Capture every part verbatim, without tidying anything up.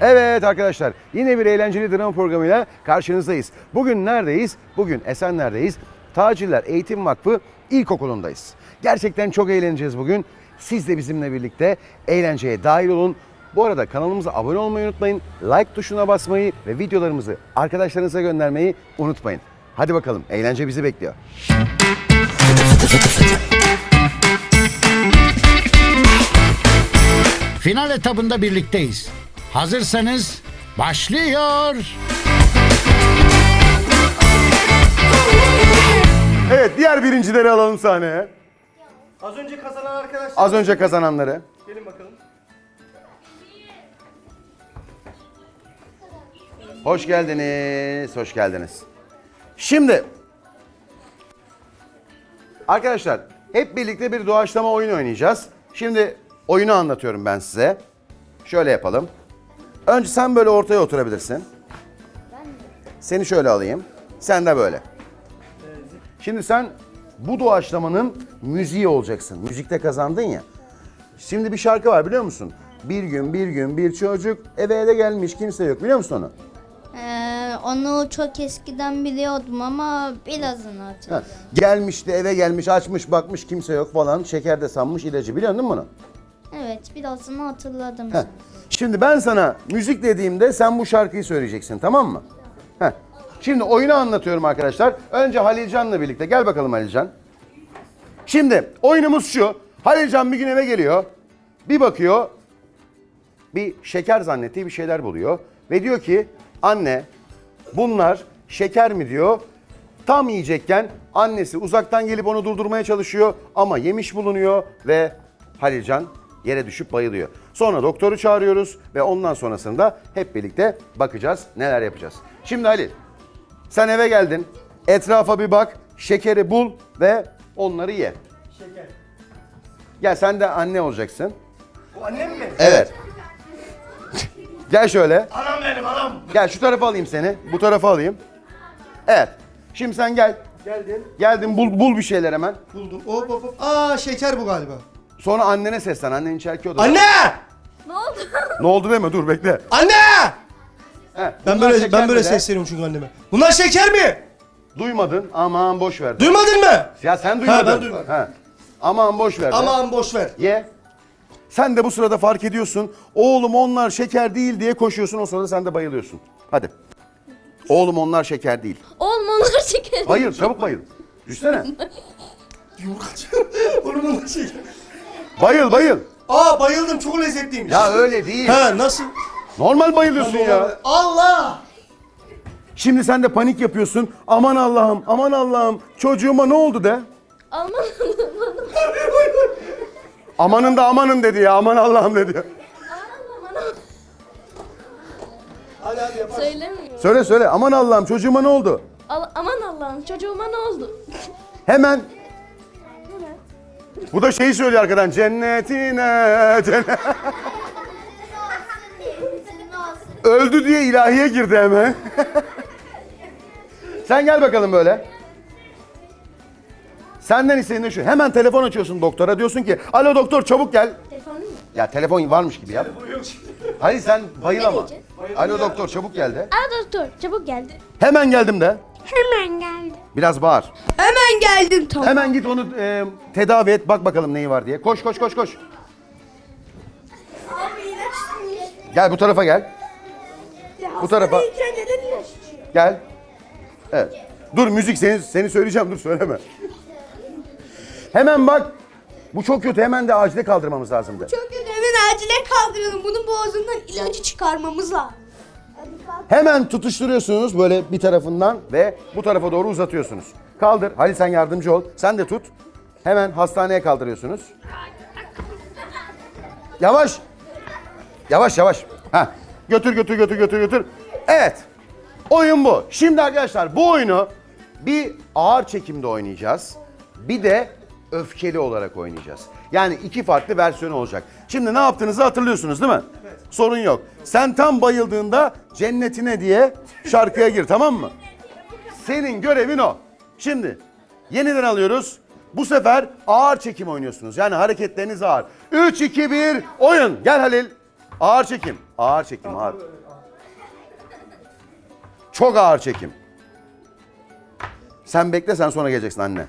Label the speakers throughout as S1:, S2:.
S1: Evet arkadaşlar, yine bir eğlenceli drama programıyla karşınızdayız. Bugün neredeyiz? Bugün Esenler'deyiz. Tacirler Eğitim Vakfı İlkokulu'ndayız. Gerçekten çok eğleneceğiz bugün. Siz de bizimle birlikte eğlenceye dahil olun. Bu arada kanalımıza abone olmayı unutmayın. Like tuşuna basmayı ve videolarımızı arkadaşlarınıza göndermeyi unutmayın. Hadi bakalım, eğlence bizi bekliyor.
S2: Final etabında birlikteyiz. Hazırsanız başlıyor.
S1: Evet, diğer birincileri alalım sahneye.
S3: Az önce kazanan arkadaşlar.
S1: Az önce kazananları.
S3: Gelin bakalım.
S1: Hoş geldiniz, hoş geldiniz. Şimdi arkadaşlar hep birlikte bir doğaçlama oyun oynayacağız. Şimdi oyunu anlatıyorum ben size. Şöyle yapalım. Önce sen böyle ortaya oturabilirsin. Seni şöyle alayım. Sen de böyle. Şimdi sen bu doğaçlamanın müziği olacaksın. Müzikte kazandın ya. Şimdi bir şarkı var biliyor musun? Bir gün bir gün bir çocuk eve de gelmiş kimse yok, biliyor musun onu?
S4: Ee, onu çok eskiden biliyordum ama birazını
S1: Ha,
S4: hatırlıyorum.
S1: gelmişti eve gelmiş açmış bakmış kimse yok falan, şeker de sanmış ilacı, biliyor musun bunu?
S4: Evet, birazını hatırladım.
S1: Heh. Şimdi ben sana müzik dediğimde sen bu şarkıyı söyleyeceksin, tamam mı? Heh. Şimdi oyunu anlatıyorum arkadaşlar. Önce Halilcan'la birlikte. Gel bakalım Halilcan. Şimdi oyunumuz şu. Halilcan bir gün eve geliyor. Bir bakıyor. Bir şeker zannettiği bir şeyler buluyor. Ve diyor ki anne bunlar şeker mi diyor. Tam yiyecekken annesi uzaktan gelip onu durdurmaya çalışıyor. Ama yemiş bulunuyor ve Halilcan yere düşüp bayılıyor. Sonra doktoru çağırıyoruz ve ondan sonrasında hep birlikte bakacağız, neler yapacağız. Şimdi Halil, sen eve geldin, etrafa bir bak, şekeri bul ve onları ye.
S3: Şeker.
S1: Gel sen de anne olacaksın.
S3: Bu annem mi?
S1: Evet. Gel şöyle.
S3: Anam benim anam.
S1: Gel şu tarafa alayım seni, bu tarafa alayım. Evet. Şimdi sen gel.
S3: Geldin.
S1: Geldin, bul, bul bir şeyler hemen.
S3: Buldum. Hop hop hop. Aa şeker bu galiba.
S1: Sonra annene seslen, annen içerki odada.
S3: Anne!
S4: Ne oldu?
S1: Ne oldu deme, dur bekle.
S3: Anne!
S1: He,
S3: Ben
S1: bunlar
S3: böyle
S1: şeker
S3: ben böyle
S1: mi de?
S3: sesleniyorum çünkü anneme. Bunlar şeker mi?
S1: Duymadın, aman boş ver.
S3: Duymadın mı?
S1: Ya sen duymadın.
S3: ben duymadım.
S1: Ha. Aman boş ver. de.
S3: Aman boş ver.
S1: Ye. Sen de bu sırada fark ediyorsun. Oğlum onlar şeker değil diye koşuyorsun. O sırada sen de bayılıyorsun. Hadi. Oğlum onlar şeker değil.
S4: Olmalar şeker.
S1: Hayır, çabuk bayıl. Düşsene.
S3: Oğlum bunlar şeker.
S1: Bayıl bayıl.
S3: Aa bayıldım, çok lezzetliymiş.
S1: Ya öyle değil.
S3: Ha nasıl?
S1: Normal bayılıyorsun ya.
S3: Allah!
S1: Şimdi sen de panik yapıyorsun. Aman Allah'ım, aman Allah'ım. Çocuğuma ne oldu de.
S4: Aman
S1: Amanın da amanın dedi ya. Aman Allah'ım dedi.
S3: Hadi hadi yapar.
S4: söylemiyorum.
S1: Söyle söyle. Aman Allah'ım çocuğuma ne oldu?
S4: Al- aman Allah'ım, çocuğuma ne oldu?
S1: Hemen. Bu da şeyi söylüyor arkadan. Cennetine. Cennet. Öldü diye ilahiye girdi hemen. Sen gel bakalım böyle. Senden isteğin de şu. Hemen telefon açıyorsun doktora. Diyorsun ki alo doktor çabuk gel.
S4: Telefonun mu?
S1: Ya telefon varmış gibi yap. Hayır sen bayıl ama.
S4: diyeceğim?
S1: Alo doktor çabuk gel de.
S4: Aa doktor, çabuk geldi.
S1: Hemen geldim de.
S4: Hemen geldi.
S1: Biraz bağır.
S4: Hemen geldim tamam.
S1: Hemen git onu e, tedavi et. Bak bakalım neyi var diye. Koş koş koş koş. Gel bu tarafa gel. Bu tarafa. Gel. Evet. Dur müzik seni seni söyleyeceğim, dur söyleme. Hemen bak. Bu çok kötü, hemen de acile kaldırmamız lazımdı.
S5: Çok kötü, hemen acile kaldıralım. Bunun boğazından ilacı çıkarmamız lazım.
S1: Hemen tutuşturuyorsunuz böyle bir tarafından ve bu tarafa doğru uzatıyorsunuz. Kaldır. Halil sen yardımcı ol. Sen de tut. Hemen hastaneye kaldırıyorsunuz. Yavaş. Yavaş yavaş. Ha. Götür götür götür götür götür. Evet. Oyun bu. Şimdi arkadaşlar bu oyunu bir ağır çekimde oynayacağız. Bir de öfkeli olarak oynayacağız. Yani iki farklı versiyon olacak. Şimdi ne yaptığınızı hatırlıyorsunuz değil mi? Evet. Sorun yok. Sen tam bayıldığında cennetine diye şarkıya gir, tamam mı? Senin görevin o. Şimdi yeniden alıyoruz. Bu sefer ağır çekim oynuyorsunuz. Yani hareketleriniz ağır. üç, iki, bir, oyun. Gel Halil. Ağır çekim. Ağır çekim. Ağır. Çok ağır çekim. Sen bekle, sen sonra geleceksin anne.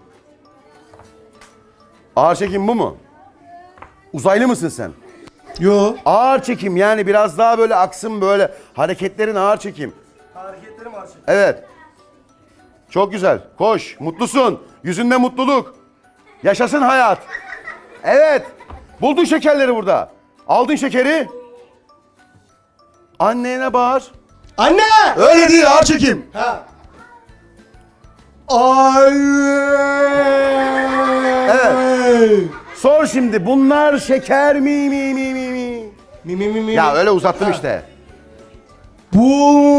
S1: Ağır çekim bu mu? Uzaylı mısın sen?
S3: Yo.
S1: Ağır çekim yani biraz daha böyle aksın böyle. Hareketlerin ağır çekim.
S3: Hareketlerim var.
S1: Evet. Çok güzel. Koş. Mutlusun. Yüzünde mutluluk. Yaşasın hayat. Evet. Buldun şekerleri burada. Aldın şekeri. Annene bağır.
S3: Anne!
S1: Öyle değil, ağır çekim.
S3: Ha. Ay.
S1: Evet. Sor şimdi. Bunlar şeker mi mi mi mi mi?
S3: Mi mi mi mi.
S1: Ya öyle uzattım işte.
S3: Bu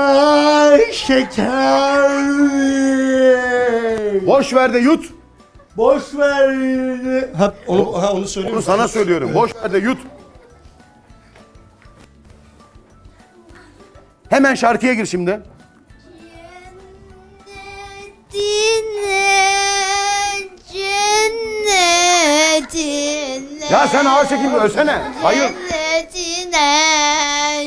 S3: şeker.
S1: Boş ver de yut.
S3: Boş ver. Ha onu ha onu söylüyor
S1: Bunu
S3: musun?
S1: sana söylüyorum. Boş ver de yut. Hemen şarkıya gir şimdi.
S4: Cennetine,
S1: Ya sen ağır çekimde ölsene. Hayır.
S4: Cennetine,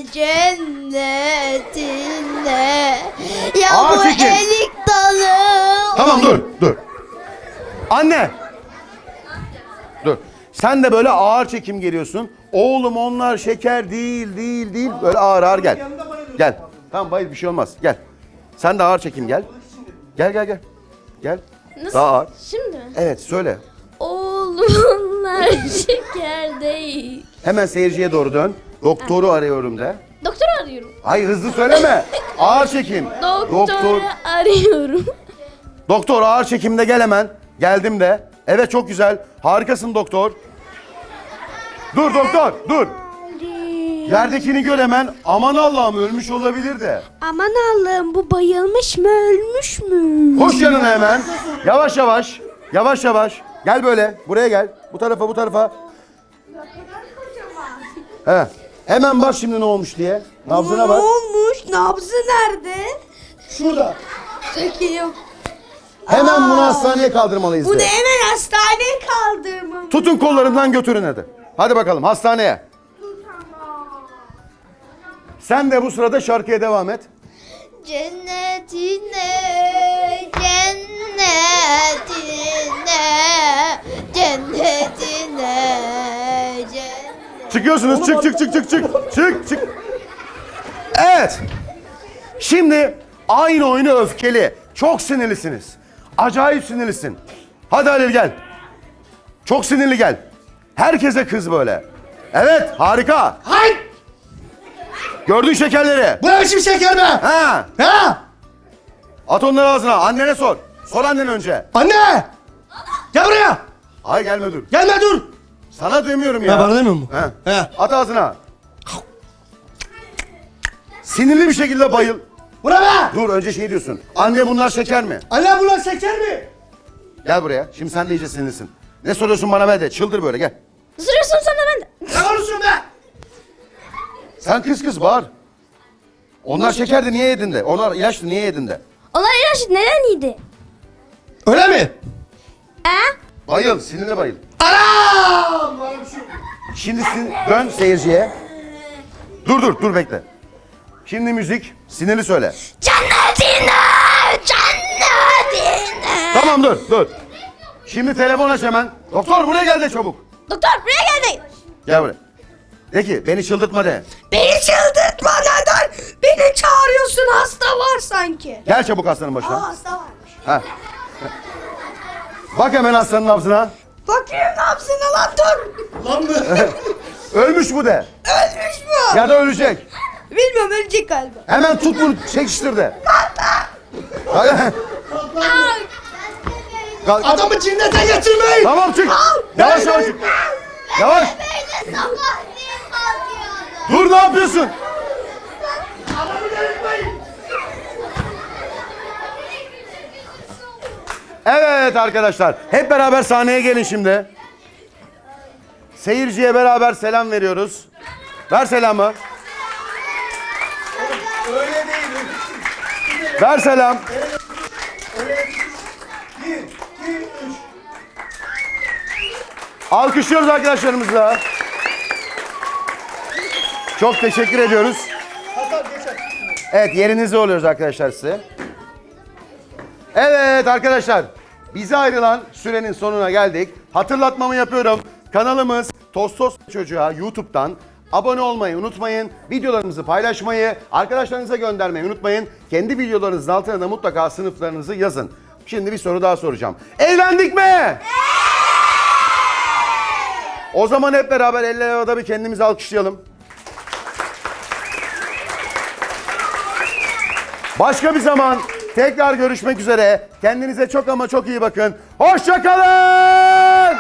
S4: cennetine. Ya
S1: Ağır
S4: bu
S1: çekim.
S4: elik dalı.
S1: Tamam dur, dur. Anne. Dur. Sen de böyle ağır çekim geliyorsun. Oğlum onlar şeker değil, değil, değil. Böyle ağır ağır gel. Gel. Tamam bayıl, bir şey olmaz. Gel. Sen de ağır çekim gel. Gel gel gel. Gel.
S4: Nasıl?
S1: Daha ağır.
S4: Şimdi mi?
S1: Evet söyle.
S4: Oğlumlar şeker değil.
S1: Hemen seyirciye doğru dön. Doktoru arıyorum de.
S4: Doktor arıyorum.
S1: Hayır hızlı söyleme. Ağır çekim.
S4: Doktoru
S1: Doktor.
S4: arıyorum.
S1: Doktor ağır çekimde gel hemen. Geldim de. Evet çok güzel. Harikasın doktor. Dur doktor dur. Yerdekini gör hemen. Aman Allah'ım ölmüş olabilir de.
S5: Aman Allah'ım bu bayılmış mı ölmüş mü?
S1: Koş yanına hemen. Yavaş yavaş. Yavaş yavaş. Gel böyle. Buraya gel. Bu tarafa bu tarafa. He. Hemen bak şimdi ne olmuş diye. Nabzına
S5: Ne
S1: bak.
S5: olmuş? Nabzı nerede?
S3: Şurada.
S5: Çekeyim.
S1: Hemen bunu hastaneye kaldırmalıyız
S5: Bunu
S1: de.
S5: hemen hastaneye kaldırmam.
S1: Tutun kollarından götürün hadi. Hadi bakalım hastaneye. Sen de bu sırada şarkıya devam et.
S4: Cennetine, cennetine, cennetine, cennet.
S1: Çıkıyorsunuz. Çık çık çık çık çık. Çık çık. Evet. Şimdi aynı oyunu öfkeli. Çok sinirlisiniz. Acayip sinirlisin. Hadi Halil gel. Çok sinirli gel. Herkese kız böyle. Evet harika.
S3: Hay!
S1: Gördün şekerleri.
S3: Bu ne biçim şeker be?
S1: Ha.
S3: Ha?
S1: At onları ağzına. Annene sor. Sor annen önce.
S3: Anne! Gel buraya.
S1: Hayır gelme dur.
S3: Gelme dur.
S1: Sana demiyorum ya.
S3: Ha, bana demiyor mu?
S1: He.
S3: He.
S1: At ağzına. Sinirli bir şekilde bayıl.
S3: Bu ne be?
S1: Dur önce şey diyorsun. Anne bunlar şeker mi?
S3: Anne bunlar şeker mi?
S1: Gel buraya. Şimdi sen de iyice sinirlisin. Ne soruyorsun bana be de. Çıldır böyle gel.
S4: Sürüyorsun sana ben de.
S3: Ne konuşuyorsun be?
S1: Sen kız kız bağır. Onlar şekerdi niye yedin de? Onlar ilaçtı niye yedin de?
S4: Onlar ilaç neden yedi?
S3: Öyle mi?
S4: He?
S1: Bayıl, sinirle bayıl.
S3: Anam! Bana bir şey yok.
S1: Şimdi sin dön seyirciye. Dur dur dur bekle. Şimdi müzik. Sinirli söyle.
S4: Cennetine, cennetine.
S1: Tamam dur dur. Şimdi telefon aç hemen. Doktor buraya gel de çabuk.
S4: Doktor buraya geldi.
S1: Gel buraya. De ki beni çıldırtma de.
S5: Beni çıldırtma neden? Beni çağırıyorsun hasta var sanki.
S1: Gel çabuk hastanın
S5: Aa
S1: başına.
S5: hasta varmış.
S1: Ha. Bak hemen hastanın nabzına.
S5: Bakayım nabzına lan dur.
S3: Lan mı?
S1: Ölmüş bu de.
S5: Ölmüş mü?
S1: Ya da ölecek.
S5: Bilmiyorum ölecek galiba.
S1: Hemen tut bunu çekiştir de. Hadi. Kalk.
S3: Adamı cinnete getirmeyin.
S1: Tamam çık. Yavaş yavaş çık. Yavaş. Dur ne yapıyorsun?
S3: Adamı delirtmeyin.
S1: Evet arkadaşlar. Hep beraber sahneye gelin şimdi. Seyirciye beraber selam veriyoruz. Ver selamı.
S3: Öyle değil.
S1: Ver selam.
S3: Bir, iki, üç.
S1: Alkışlıyoruz arkadaşlarımızla. Çok teşekkür ediyoruz. Evet, yerinize oluyoruz arkadaşlar size. Evet arkadaşlar, bize ayrılan sürenin sonuna geldik. Hatırlatmamı yapıyorum. Kanalımız Tostos Çocuğa YouTube'dan abone olmayı unutmayın. Videolarımızı paylaşmayı, arkadaşlarınıza göndermeyi unutmayın. Kendi videolarınızın altına da mutlaka sınıflarınızı yazın. Şimdi bir soru daha soracağım. Eğlendik mi? O zaman hep beraber eller havada bir kendimizi alkışlayalım. Başka bir zaman tekrar görüşmek üzere. Kendinize çok ama çok iyi bakın. Hoşça kalın.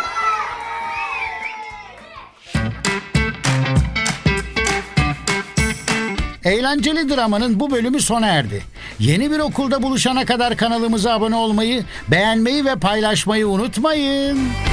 S2: Eğlenceli dramanın bu bölümü sona erdi. Yeni bir okulda buluşana kadar kanalımıza abone olmayı, beğenmeyi ve paylaşmayı unutmayın.